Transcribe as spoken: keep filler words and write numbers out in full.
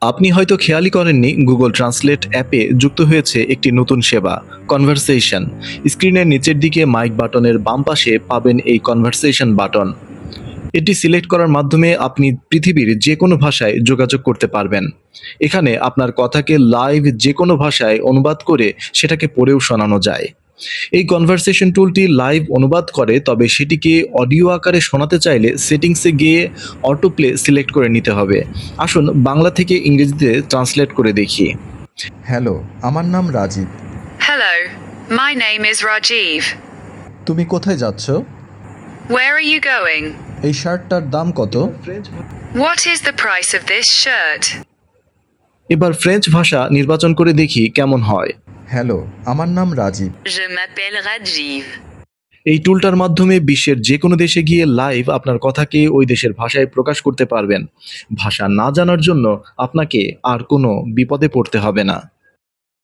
আপনি হয়তো খেয়ালই করেননি গুগল ট্রান্সলেট অ্যাপে যুক্ত হয়েছে একটি নতুন সেবা কনভারসেশন। স্ক্রিনের নিচের দিকে মাইক বাটনের বাম পাশে পাবেন এই কনভারসেশন বাটন। এটি সিলেক্ট করার মাধ্যমে আপনি পৃথিবীর যে কোনো ভাষায় যোগাযোগ করতে পারবেন। এখানে আপনার কথাকে লাইভ যে কোনো ভাষায় অনুবাদ করে সেটাকে পড়েও শোনানো যায়। এই কনভারসেশন টুলটি লাইভ অনুবাদ করে, তবে সেটিকে অডিও আকারে শোনাতে চাইলে সেটিংসে গিয়ে অটো প্লে সিলেক্ট করে নিতে হবে। আসুন বাংলা থেকে ইংরেজিতে ট্রান্সলেট করে দেখি। হ্যালো, আমার নাম Rajib. Hello, my name is Rajiv. তুমি কোথায় যাচ্ছ? Where are you going? এই শার্টটার দাম কত? What is the price of this shirt? এবার ফ্রেঞ্চ ভাষা নির্বাচন করে দেখি কেমন হয়। হ্যালো, আমার নাম রাজীব। Je m'appelle Rajiv. এই টুলটার মাধ্যমে বিশ্বের যে কোনো দেশে গিয়ে লাইভ আপনার কথাকে ওই দেশের ভাষায় প্রকাশ করতে পারবেন। ভাষা না জানার জন্য আপনাকে আর কোনো বিপদে পড়তে হবে না।